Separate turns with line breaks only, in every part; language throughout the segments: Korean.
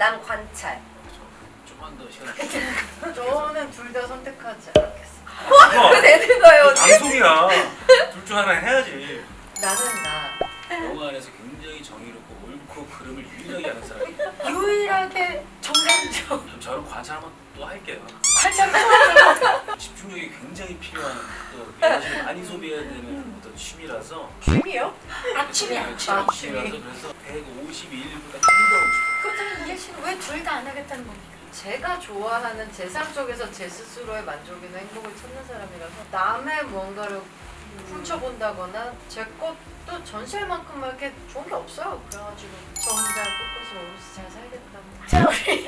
난 관찰.
좀만 더 시간.
저는 둘 다 선택하지 않겠어.
왜 내는 거예요, 언니?
방송이야. 둘 중 하나 해야지.
나는 나.
영화 안에서 굉장히 정의롭고 옳고 그름을 유일하게 하는 사람이.
유일하게 정상적
그럼 저는 관찰 한번 또 할게요.
관찰.
집중력이 굉장히 필요한 또 에너지를 많이 소비해야 되는 어떤 취미라서.
취미요?
아침이야.
취미라서 그래서 152일보다 힘들어.
그렇다면 이해 씨는 왜 둘 다 안 하겠다는 겁니까?
제가 좋아하는 제 삶 속에서 제 스스로의 만족이나 행복을 찾는 사람이라서 남의 무언가를 훔쳐본다거나 제 것도 전시할 만큼만 이렇게 좋은 게 없어요. 그래가지고 저 혼자 꿋꿋이 오롯이 잘 살겠다고.
자 우리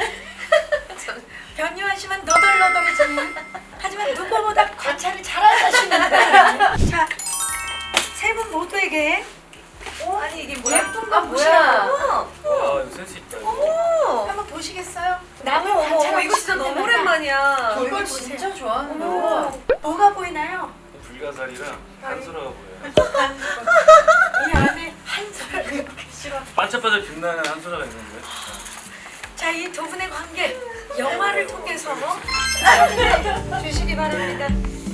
변요하시면 너덜너덜해지는 하지만 누구보다 관찰을 잘하시는 자 세 분 모두에게
아니 이게 뭐야?
예쁜 거
아,
보시라고
뭐야?
와 이거 센스 있다. 이거.
오.
한번 보시겠어요?
어머
남을
어머
관찰하고
이거 진짜 너무
싶을 때마다
오랜만이야.
저 이걸
보세요.
진짜 좋아하는
어머,
거야.
뭐가 보이나요?
불가사리랑 한소라가 보여요.
이 안에 한솔
이렇게 싫어.
반짝반짝 빛나는 한소라가 있는데.
자, 이 두 분의 관계 영화를 통해서 주시기 바랍니다.